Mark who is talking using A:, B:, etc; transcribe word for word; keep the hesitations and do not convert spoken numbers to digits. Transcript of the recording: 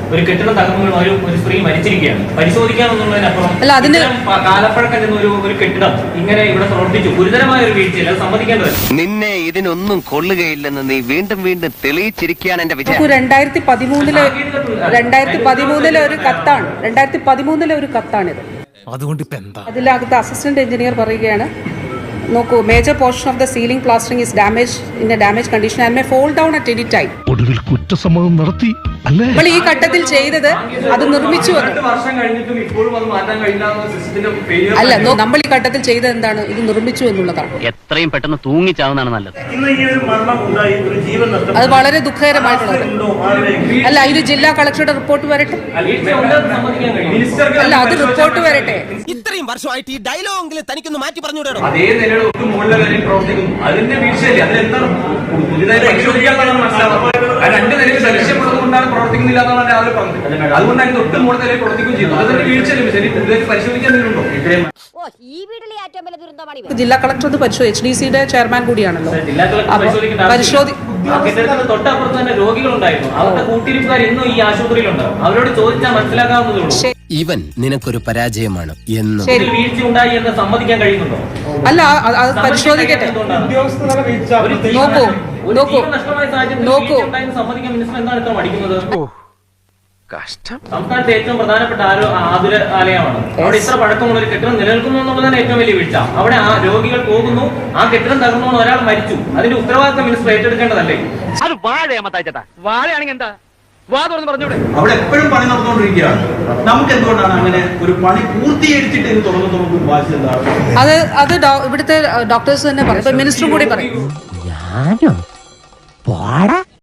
A: ഒരു കെട്ടിടം തകർന്നു ഒരു ഒരു സ്ത്രീ മരിച്ചിരിക്കുകയാണ്. പരിശോധിക്കാമെന്നുള്ളതിനപ്പുറം കാലപ്പഴക്കം ചെന്ന ഒരു ഒരു കെട്ടിടം ഇങ്ങനെ ഇവിടെ പ്രവർത്തിച്ചു, ഗുരുതരമായ ഒരു വീഴ്ചയില്ല, സമ്മതിക്കേണ്ടത്.
B: നിന്നെ ഇതിനൊന്നും കൊള്ളുകയില്ലെന്ന് നീ വീണ്ടും വീണ്ടും തെളിയിച്ചിരിക്കുകയാണ് എന്റെ വിജയം.
C: രണ്ടായിരത്തി പതിമൂന്നിലെ രണ്ടായിരത്തി പതിമൂന്നിലെ ഒരു കത്താണ് രണ്ടായിരത്തി പതിമൂന്നിലെ ഒരു കത്താണിത്.
D: അതുകൊണ്ട് ഇപ്പൊ എന്താ
C: അതിലകത്ത് അസിസ്റ്റന്റ് എഞ്ചിനീയർ പറയുകയാണ്, നോക്കൂ, major portion of the ceiling plastering is damage in a damage condition and may fall down at any time.
D: ഒടുവിൽ കുറ്റസമ്മതം നടത്തി അല്ലേ?
C: നമ്മൾ ഈ ഘട്ടത്തിൽ ചെയ്തത് അത് നിർമ്മിച്ചു അല്ല, നമ്മൾ ഈ ഘട്ടത്തിൽ ചെയ്തത് എന്താണ്? ഇത് നിർമ്മിച്ചു എന്നുള്ളതാണ്.
E: എത്രയും പെട്ടെന്ന് തൂങ്ങിച്ചാവുന്നതാണ് നല്ലത്.
C: അത് വളരെ ദുഃഖകരമായിട്ടുള്ളത്. അല്ല, ഇത് ജില്ലാ കളക്ടറുടെ റിപ്പോർട്ട് വരട്ടെ. അല്ല, അത് റിപ്പോർട്ട് വരട്ടെ.
F: ഇത്രയും വർഷമായിട്ട് ഈ ഡയലോഗെങ്കിലും തനിക്കൊന്ന് മാറ്റി പറഞ്ഞുകൂടോ?
A: അതേ നിലയുടെ ഒട്ടും മുകളിലെ നിലയിൽ പ്രവർത്തിക്കുന്നു. അതിന്റെ വീഴ്ചയല്ലേ? അതിലെന്താണ് പുതിയതായി പരിശോധിക്കാന്നാണ് മനസ്സിലാവുന്നത്. രണ്ട് നിലയിൽ ലക്ഷ്യമുള്ളത് കൊണ്ടാണ് പ്രവർത്തിക്കുന്നില്ല എന്നാണ് രാവിലെ പറഞ്ഞത്. അതുകൊണ്ട് അതിന്റെ ഒട്ടും മുകളിൽ നിലയിൽ പ്രവർത്തിക്കുകയും ചെയ്തു. അതിന്റെ വീഴ്ചയല്ലേ? ശരി, പുതിയതായി പരിശോധിക്കാൻ ഉണ്ടോ?
C: ജില്ലാ കളക്ടർ അത് പരിശോധിച്ചു. എച്ച് ഡി സിയുടെ ചെയർമാൻ കൂടിയാണല്ലോ.
A: തൊട്ടപ്പുറത്ത് തന്നെ രോഗികളുണ്ടായിരുന്നു. അവരുടെ കൂട്ടിരിപ്പുകാർ ഇന്നും ഈ ആശുപത്രിയിലുണ്ട്. അവരോട് ചോദിച്ചാൽ മനസ്സിലാക്കാവുന്നതേ ഉള്ളൂ.
F: ഇവൻ നിനക്കൊരു പരാജയമാണ് എന്ന്.
A: വീഴ്ച ഉണ്ടായി എന്ന് സമ്മതിക്കാൻ കഴിയുന്നുണ്ടോ?
C: അല്ല, അത് പരിശോധിക്കട്ടെ. നോക്കൂ നോക്കൂ നോക്കൂ
A: സമ്മതിക്കാൻ മിനിസ്റ്റർ എന്താണ് ഇത്ര മടിക്കുന്നത്? സംസ്ഥാനത്തെ ഏറ്റവും പ്രധാനപ്പെട്ട ആതുര ആലയമാണ്. അവിടെ ഇത്ര പഴക്കമുള്ള ഒരു കെട്ടിടം നിലനിൽക്കുന്നു എന്നുള്ളതാണ് ഏറ്റവും വലിയ വീഴ്ച. അവിടെ ആ രോഗികൾ പോകുന്നു, ആ കെട്ടിടം തകർന്നു, ഒരാൾ മരിച്ചു. അതിന്റെ ഉത്തരവാദിത്തം മിനിസ്റ്റർ ഏറ്റെടുക്കേണ്ടതല്ലേ?
E: അത് വാഴയാമത്താച്ചേട്ടാ, വാഴയാണെങ്കിൽ എന്താ വാ തുറന്ന് പറഞ്ഞൂടെ?
G: അവിടെ എപ്പോഴും പണി നടന്നുകൊണ്ടിരിക്കുകയാണ്. നമുക്ക് എന്തുകൊണ്ടാണ് അങ്ങനെ ഒരു പണി പൂർത്തീകരിച്ചിട്ട് ഇത് തുറന്നു നമുക്ക് വാശി എന്താണ്?
C: അത് അത് ഇവിടുത്തെ ഡോക്ടേഴ്സ് തന്നെ പറയും, മിനിസ്റ്ററും കൂടി പറയും.